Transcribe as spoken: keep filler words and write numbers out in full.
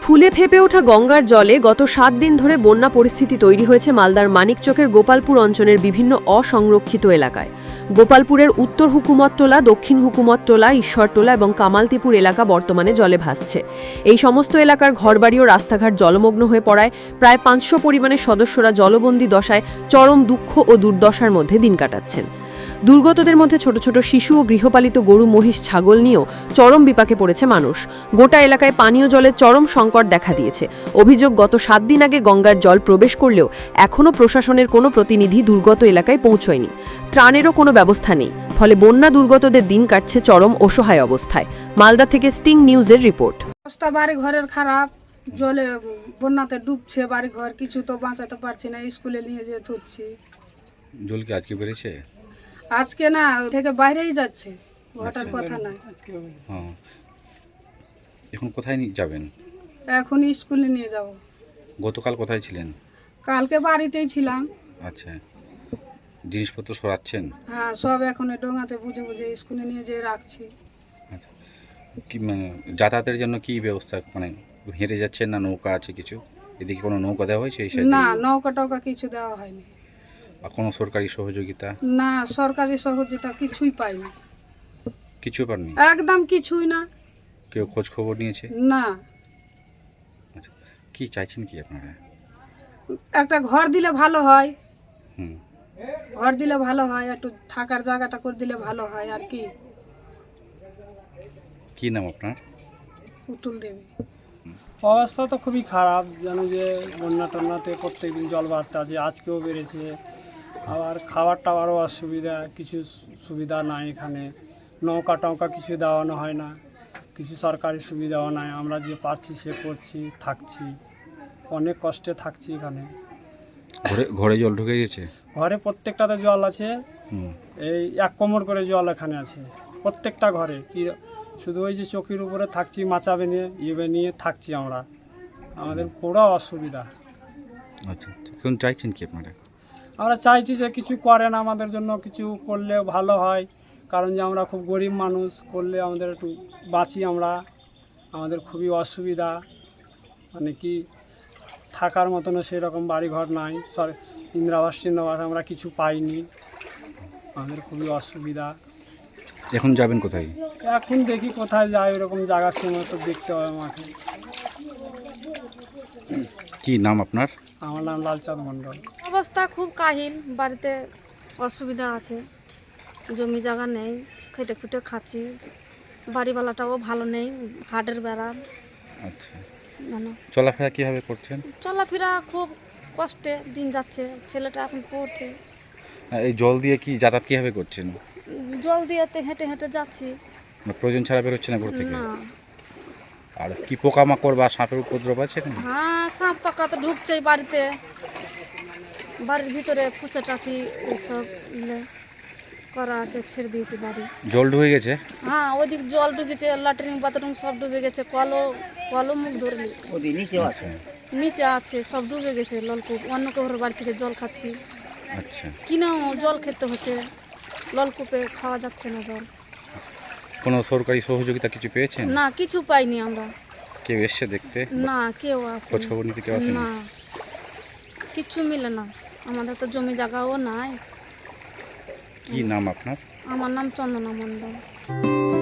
ফুলে ফেপে ওঠা গঙ্গার জলে গত সাত দিন ধরে বন্যা পরিস্থিতি তৈরি হয়েছে মালদার মানিকচকের গোপালপুর অঞ্চলের বিভিন্ন অসংরক্ষিত এলাকায়। গোপালপুরের উত্তর হুকুমতটোলা, দক্ষিণ হুকুমতটোলা, ঈশ্বরটোলা এবং কামালতিপুর এলাকা বর্তমানে জলে ভাসছে। এই সমস্ত এলাকার ঘরবাড়ি ও রাস্তাঘাট জলমগ্ন হয়ে পড়ায় প্রায় পাঁচশো পরিমাণের সদস্যরা জলবন্দী দশায় চরম দুঃখ ও দুর্দশার মধ্যে দিন কাটাচ্ছেন। দুর্গতদের মধ্যে ছোট ছোট শিশু ও গৃহপালিত গরু, মহিষ, ছাগল নিয়েও চরম বিপাকে পড়েছে মানুষ। গোটা এলাকায় পানীয় জলের চরম সংকট দেখা দিয়েছে। অভিযোগ, গত সাত দিন আগে গঙ্গার জল প্রবেশ করলেও এখনও প্রশাসনের কোনো প্রতিনিধি দুর্গত এলাকায় পৌঁছয়নি। ত্রাণেরও কোনো ব্যবস্থা নেই, ফলে বন্যা দুর্গতদের দিন কাটছে চরম অসহায় অবস্থায়। মালদা থেকে স্টিং নিউজের রিপোর্ট। অবস্থা বাড়ি ঘরের খারাপ, জলে বন্যাতে ডুবছে বাড়ি ঘর, কিছু তো বাঁচাতে পারছি না, স্কুলে নিয়ে যেয়ে ধুচ্ছি। জল কি আজকে বেড়েছে? আজকে না, থেকে বাইরেই যাচ্ছে, ঘটার কথা নাই। হ্যাঁ, এখন কোথায় নিয়ে যাবেন? এখন স্কুলে নিয়ে যাব। গতকাল কোথায় ছিলেন? কালকে বাড়িতেই ছিলাম। আচ্ছা, জিনিসপত্র সরাচ্ছেন? হ্যাঁ, সব এখন এই ডোঙাতে বুঝে বুঝে স্কুলে নিয়ে যেয়ে রাখছি। আচ্ছা, কি মানে যাতায়াতের জন্য কি ব্যবস্থা, মানে হেঁটে যাচ্ছেন না নৌকা আছে কিছু? এদিকে কোনো নৌকা দেওয়া হয়েছে এই সাইডে? না, নৌকা টৌকা কিছু দেওয়া হয়নি। আর কোনো সরকারি সহযোগিতা? না, সরকারি সহযোগিতা কিছুই পাইনি। কিছু পাননি? একদম কিছুই না। কেউ খোঁজ খবর নিয়েছে? না। আচ্ছা, কি চাইছেন কি আপনারা? একটা ঘর দিলে ভালো হয়। হুম, ঘর দিলে ভালো হয়, একটু থাকার জায়গাটা করে দিলে ভালো হয়। আর কি? কি নাম আপনার? পুতুল দেবী। অবস্থা তো খুবই খারাপ, জানো যে বন্যা টন্যাতে প্রত্যেকদিন জল বাড়তে আছে, আজকেও বেড়েছে। আবার খাবার টাবারও অসুবিধা, কিছু সুবিধা নাই এখানে। নৌকা টৌকা কিছু দেওয়ানো হয় না, কিছু সরকারি সুবিধাও নাই। আমরা যে পারছি সে করছি, থাকছি, অনেক কষ্টে থাকছি এখানে। ঘরে ঘরে জল ঢুকে গেছে? ঘরে প্রত্যেকটাতে জল আছে। হুম, এই এক কোমর করে জল এখানে আছে প্রত্যেকটা ঘরে। কি শুধু ওই যে চকির উপরে থাকছি, মাচা বেনিয়ে ইয়ে নিয়ে থাকছি আমরা, আমাদের পুরো অসুবিধা। আচ্ছা, এখন চাইছেন কি আপনারা? আমরা চাইছি যে কিছু করেন আমাদের জন্য, কিছু করলে ভালো হয়। কারণ যে আমরা খুব গরিব মানুষ, করলে আমাদের একটু বাঁচি আমরা। আমাদের খুবই অসুবিধা, মানে কি থাকার মতনও সেরকম বাড়িঘর নাই, সর ইন্দিরাবাস টিন্দ্রাবাস আমরা কিছু পাইনি, আমাদের খুবই অসুবিধা। এখন যাবেন কোথায়? এখন দেখি কোথায় যাই, ওরকম জায়গার সময় তো দেখতে হবে আমাকে। কি নাম আপনার? আমার নাম লালচাঁদ মণ্ডল। অবস্থা খুব কাহিল, বাড়িতে অসুবিধা আছে, জমি জায়গা নেই, খেটে খুটে খাচ্ছি, বাড়িওয়ালাটাও ভালো নেই, হাটের বেড়া। আচ্ছা, জানো চলাফেরা কীভাবে করছেন? চলাফেরা খুব কষ্টে দিন যাচ্ছে, ছেলেটা এখন পড়ছে। এই জল দিয়ে কি যাতায়াত কীভাবে করছেন? জল দিয়েতে হেঁটে হেঁটে যাচ্ছি। মানে প্রয়োজন ছাড়া বেরোচ্ছে না ঘর থেকে? না। আর কি পোকামাকড় বা সাপের উপদ্রব আছে? হ্যাঁ, সাপ পাকা তো ঢুকছেই বাড়িতে, বাড়ির ভিতরে ফুসে টাকি এইসব ইয়ে করা আছে, ছেড়ে দিয়েছি বাড়ি। জল ঢুকে গেছে? হ্যাঁ, ওইদিক জল ঢুকেছে, ল্যাট্রিন বাথরুম সব ডুবে গেছে, কলও কলও মুখ ধরে নিয়েছে, আচ্ছা নিচে আছে সব ডুবে গেছে। নলকূপ অন্য কারোর বাড়ি থেকে জল খাচ্ছি, আচ্ছা, কিনেও জল খেতে হচ্ছে, নলকূপে খাওয়া যাচ্ছে না জল। কোনো সরকারি সহযোগিতা কিছু পেয়েছেন? না, কিছু পাইনি আমরা। কেউ এসছে দেখতে? না, কেউ আসে খোঁজ খবর নিতে কেউ আসেনি? না, কিচ্ছু মিলে না, আমাদের তো জমি জায়গাও নাই। কি নাম আপনার? আমার নাম চন্দনা মণ্ডল।